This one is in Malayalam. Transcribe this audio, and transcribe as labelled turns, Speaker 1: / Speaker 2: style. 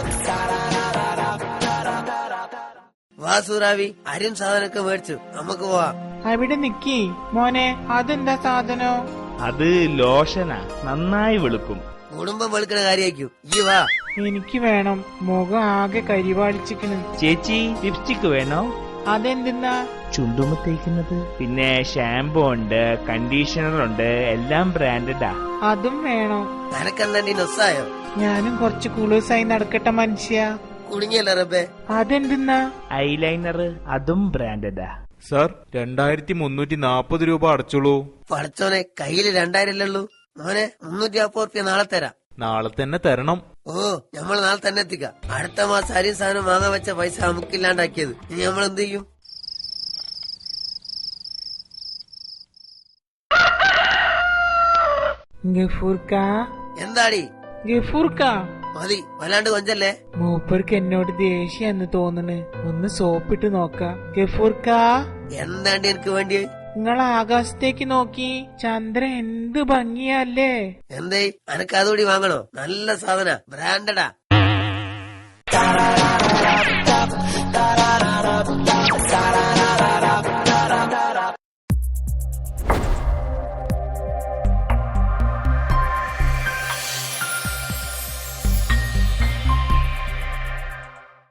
Speaker 1: വാ സൂറാവി, അരിയും സാധനമൊക്കെ മേടിച്ചു, നമുക്ക് പോവാം.
Speaker 2: അവിടെ നിക്കി മോനെ, അതെന്താ സാധനോ?
Speaker 3: അത് ലോഷനാ, നന്നായി വെളുക്കും.
Speaker 1: കുടുംബം വെളുക്കണ കാര്യമായിരിക്കും. ഈ വാ.
Speaker 2: എനിക്ക് വേണം, മുഖം ആകെ കരിവാളിച്ചിക്കണ്.
Speaker 3: ചേച്ചി ലിപ്സ്റ്റിക് വേണോ?
Speaker 2: അതെന്തെന്നാ?
Speaker 3: ചുണ്ടുമ തേക്കുന്നത്. പിന്നെ ഷാമ്പു ഉണ്ട്, കണ്ടീഷണർ ഉണ്ട്, എല്ലാം ബ്രാൻഡഡാ.
Speaker 2: അതും വേണോ?
Speaker 1: നിനക്കെന്താണ്ടി നൊസ്സായോ?
Speaker 2: ഞാനും കുറച്ച് കുളൂസായി നടക്കട്ടെ മനുഷ്യ.
Speaker 1: കുടുങ്ങിയല്ല റബ്ബേ.
Speaker 2: അതെന്തെന്നാ?
Speaker 3: ഐലൈനർ, അതും ബ്രാൻഡഡാ.
Speaker 4: സാർ 2340 രൂപ അടച്ചോളൂ.
Speaker 1: പഠിച്ചോനെ, കയ്യില് 2000 ഉള്ളൂ. മോനെ 340 റുപ്യ നാളെ തരാം.
Speaker 4: നാളെ തന്നെ തരണം.
Speaker 1: ഓ, നമ്മൾ നാളെ തന്നെ എത്തിക്കാം. അടുത്ത മാസം അരിയും സാധനം വാങ്ങാൻ വെച്ച പൈസ നമുക്കില്ലാണ്ടാക്കിയത്. ഇനി നമ്മൾ എന്ത് ചെയ്യും?
Speaker 2: ഗഫൂർക്ക,
Speaker 1: എന്താടി?
Speaker 2: ഗഫൂർക്ക,
Speaker 1: മതി, വല്ലാണ്ട് കൊഞ്ചല്ലേ.
Speaker 2: മൂപ്പർക്ക് എന്നോട് ദേഷ്യാന്ന് തോന്നണ്. ഒന്ന് സോപ്പിട്ട് നോക്ക. ഗഫൂർക്ക,
Speaker 1: എന്താണ്ടി എനിക്ക് വേണ്ടി?
Speaker 2: നിങ്ങൾ ആകാശത്തേക്ക് നോക്കി, ചന്ദ്രൻ എന്ത് ഭംഗിയല്ലേ.
Speaker 1: എന്തേ, അനക്ക് അതുകൂടി വാങ്ങണോ? നല്ല സാധന, ബ്രാൻഡഡാ.